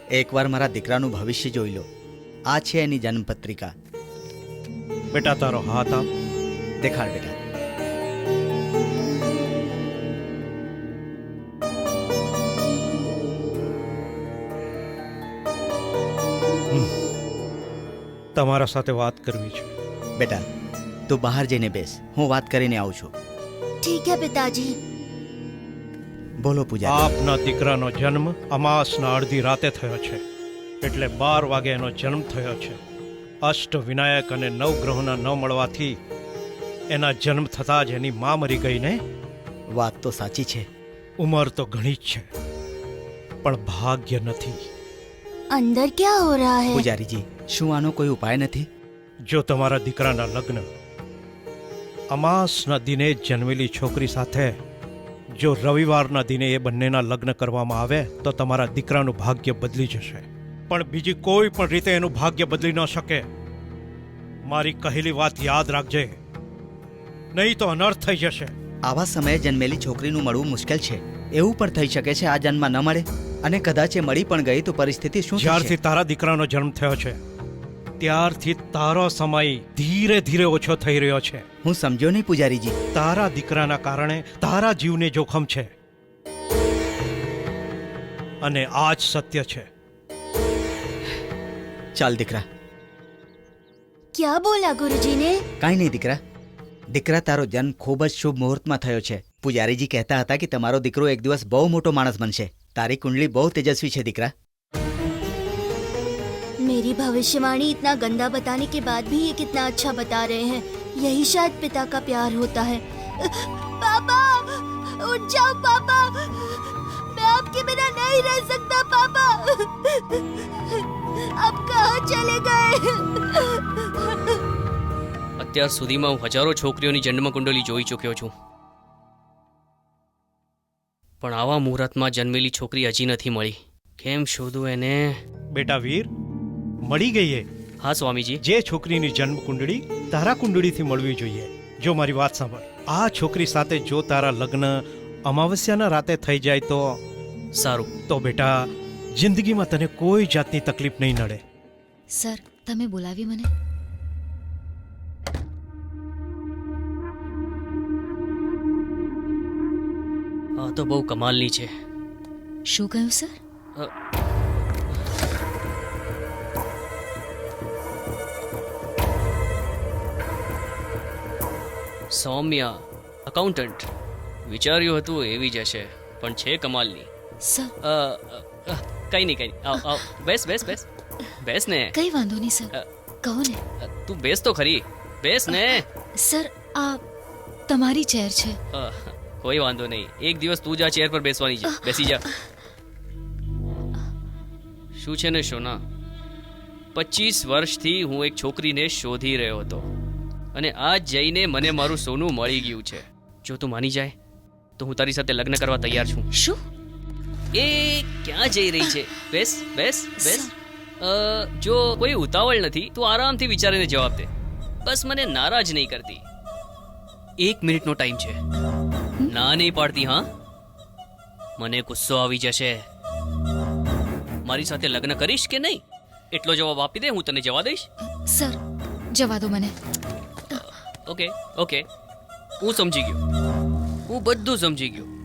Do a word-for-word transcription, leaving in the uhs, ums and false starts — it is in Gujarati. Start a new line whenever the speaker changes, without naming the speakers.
એકવાર મારા દીકરાનું ભવિષ્ય જોઈ લો. આ છે એની જન્મપત્રિકા.
બેટા તારો હાથ આપ.
દેખાડ બેટા.
તમારા સાથે વાત કરવી છે.
બેટા તું બહાર જઈને બેસ, હું વાત કરીને આવું છું.
ठीक है पिताजी.
બોલો પૂજા.
આપના દીકરાનો જન્મ અમાસના અડધી રાતે થયો છે, એટલે બાર વાગે એનો જન્મ થયો છે. અષ્ટ વિનાયક અને નવ ગ્રહોના ન મળવાથી એના જન્મ થતાં જ એની મા મરી ગઈ ને.
વાત તો સાચી છે.
ઉંમર તો ઘણી જ છે, પણ ભાગ્ય નથી.
अंदर क्या हो रहा है?
પૂજારીજી, શું આનો કોઈ ઉપાય નથી?
જો તમારા દીકરાના લગ્ન અમાસના દિને જ જન્મેલી છોકરી સાથે જો રવિવારના દિને એ બંનેના લગ્ન કરવામાં આવે તો તમારા દીકરાનું ભાગ્ય બદલી જશે. પણ બીજી કોઈ પણ રીતે એનું ભાગ્ય બદલી ન શકે. મારી કહેલી વાત યાદ રાખજે, નહીં તો અનર્થ થઈ જશે.
આવા સમયે જન્મેલી છોકરીનું મળવું મુશ્કેલ છે. એવું પણ થઈ શકે છે આ જન્મમાં ન મળે, અને કદાચ એ મળી પણ ગઈ તો પરિસ્થિતિ શું થશે?
જ્યારથી તારા દીકરાનો જન્મ થયો છે ત્યારથી તારો સમય ધીરે ધીરે ઓછો થઈ રહ્યો છે.
હું સમજ્યો નહીં પૂજારીજી.
તારા દીકરાના કારણે તારા જીવને જોખમ છે, અને આ જ સત્ય છે.
ચાલ દીકરા.
क्या बोला गुरुजी ने?
કાંઈ નહીં દીકરા. દીકરા, તારો જન્મ ખૂબ જ શુભ મુહૂર્તમાં થયો છે. પૂજારીજી કહેતા હતા કે તમારો દીકરો એક દિવસ બહુ મોટો માણસ બનશે. તારી કુંડલી બહુ તેજસ્વી છે દીકરા.
मेरी भविष्यवाणी इतना गंदा बताने के बाद भी ये कितना अच्छा बता रहे हैं. यही शायद पिता का प्यार होता है. पापा, उठ जाओ पापा. मैं आपके बिना नहीं रह सकता पापा. अब कहाँ चले गए?
અત્યાર સુધીમાં હું હજારો છોકરીઓની જન્મ કુંડલી જોઈ ચૂક્યો છું, પણ આવા મુહૂર્તમાં જન્મેલી છોકરી હજી નથી મળી. કેમ શોધું એને?
બેટા વીર, મળી ગઈ એ.
હા સ્વામીજી.
જે છોકરીની જન્મ કુંડળી તારા કુંડળીથી મળવી જોઈએ. જો મારી વાત સાંભળ, આ છોકરી સાથે જો તારા લગ્ન અમાવસ્યાના રાતે થઈ જાય તો
સારું.
તો બેટા જિંદગીમાં તને કોઈ જાતની તકલીફ નહીં નડે.
સર, તમે બોલાવી મને?
આ તો બહુ કમાલની છે.
શું કહ્યું સર?
અ, સૌમ્યા અકાઉન્ટન્ટ. વિચાર્યું હતું એવી જ હશે, પણ છે કમાલની.
સર,
અ, અ, કઈ નહીં કઈ નહીં. આવ આવ, બેસ બેસ બેસ બેસ ને.
કઈ વાંધો નહીં સર, કહો ને.
અ, તું બેસ તો ખરી. બેસ ને.
સર, આ તમારી ચેર છે.
અ, કોઈ વાંધો નહીં. એક દિવસ તું જ આ ચેર પર બેસવાની છે. બેસી જા. શું છે ને શોના, પચીસ વર્ષથી હું એક છોકરીને શોધી રહ્યો હતો, અને આજ જઈને મને મારું સોનું મળી ગયું છે. જો તું માની જાય તો હું તારી સાથે લગ્ન કરવા તૈયાર છું.
શું?
એ ક્યાં જઈ રહી છે? બેસ બેસ બેસ. અ, જો કોઈ ઉતાવળ નથી તો આરામથી વિચારીને જવાબ દે. બસ મને નારાજ નહીં કરતી. એક મિનિટનો ટાઈમ છે. ના નહીં પાડતી? હા, મને ગુસ્સો આવી જશે. મારી સાથે લગ્ન કરીશ કે નહીં એટલો જવાબ આપી દે, હું તને જવા દઈશ.
સર, જવા દો મને.
ઓકે ઓકે, હું સમજી ગયો. હું બધું સમજી ગયો.